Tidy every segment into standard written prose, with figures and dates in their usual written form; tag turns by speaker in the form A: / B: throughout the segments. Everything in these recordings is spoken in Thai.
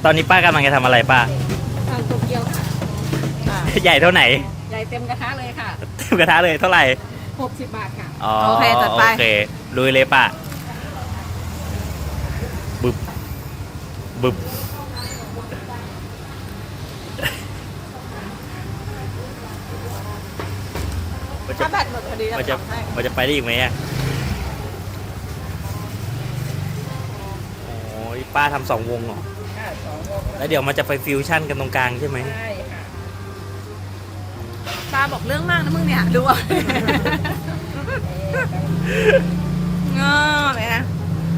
A: ตอนนี้ป้ากำลังจะทำอะไรป้า
B: ทำโตเกียวค่ะ
A: ใหญ่เท่าไหน
B: ใหญ่เต็มกระทะเลยค่ะ
A: เต็มกระทะเลยเท่าไหร่
B: 60 บาทค่ะ
C: โอเคจัดไป
A: โอเคลุยเลยป้าบึบบึบ
C: ถ้าแบตหมดพอดี
A: มันจะไปได้อีกไหมอ่ะโอ้ยป้าทำ2 วงเหรอแล้วเดี๋ยวมันจะไปฟิวชั่นกันตรงกลางใช่ไหม
B: ใช่ค่ะ
C: ตาบอกเรื่องมากนะมึงเนี่ยดูอ่ะงอเลยนะ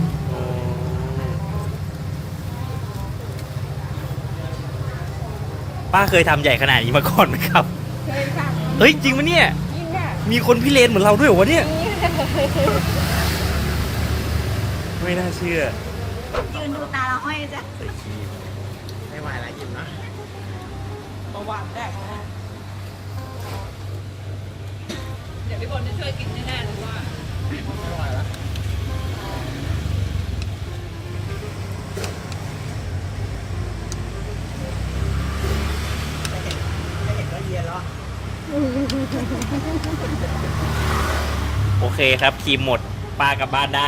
A: ป้าเคยทำใหญ่ขนาดนี้มาก่อนไหมครับ
B: เคยค่ะ
A: เฮ้ยจริงปะเนี่ย
B: ยิ่งค่ะ
A: มีคนพิเรนเหมือนเราด้วยเหรอวะเนี่ยไม่น่าเชื่อ
C: ยืนดูตาเราห้อยจ้ะ
A: ไม่ไหวแล้วอิ่มนะ
B: ประวัติแรกนะ
C: เดี๋ยวพี่บอลจะช่วยกินแน่ๆเลยว่า
A: ไม่ไหวแล้วไม่เห็นก็เย็นแล้วโอเคครับครีมหมดป้ากลับบ้านได้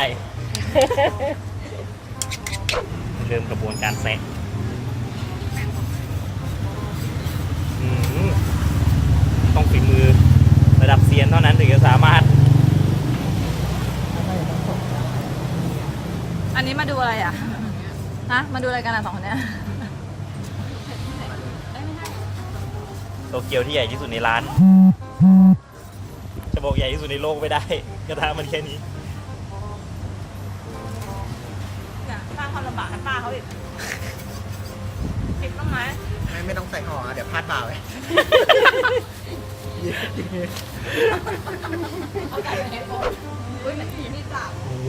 A: เริ่มกระบวนการแซะต้องฝีมือระดับเซียนเท่านั้นถึงจะสามารถ
C: อันนี้มาดูอะไรอ่ะฮะมาดูอะไรกันอ่ะ2 คนเนี้ย
A: โตเกียวที่ใหญ่ที่สุดในร้านจะบอกใหญ่ที่สุดในโลกไม่ได้กระทะมันแค่นี้
C: สร้างความลำบากให้ป้าเขาอีกคิดต้องไหม
D: ไม่ต้องใส่ห่อเดี๋ยวพลาดเปล่าเลย
C: เอาไก่ไปให้พ่ออุ้ยนี่จับ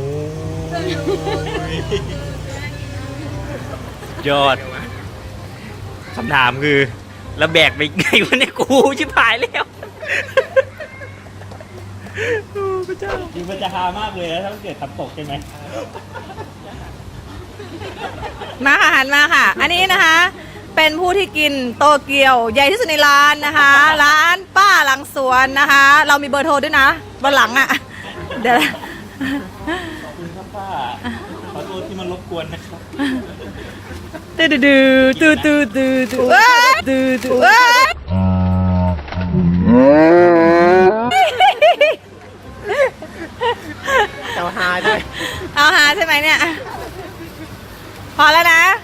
A: ยอดคำถามคือแล้วแบกไปไงวะเนี่ยกูชิบหายแล้วพระเจ้าจริงมันจะฮามากเลยนะถ้าเกิดทำตกใช่ไหม
C: มาค่ะหันมาค่ะอันนี้นะคะเป็นผู้ที่กินโตเกียวใหญ่ที่สุดในร้านนะคะร้านป้าหลังสวนนะคะเรามีเบอร์โทรด้วยนะบนหลังอ่ะเดี๋ยว
A: ขอบคุณครับป้าขอโทษที่มันรบกวนนะครับ
C: ตูดูตูตูตูตูตูตู
D: เจ้าฮาด้วย
C: เอาหาใช่ไหมเนี่ยพอแล้วนะ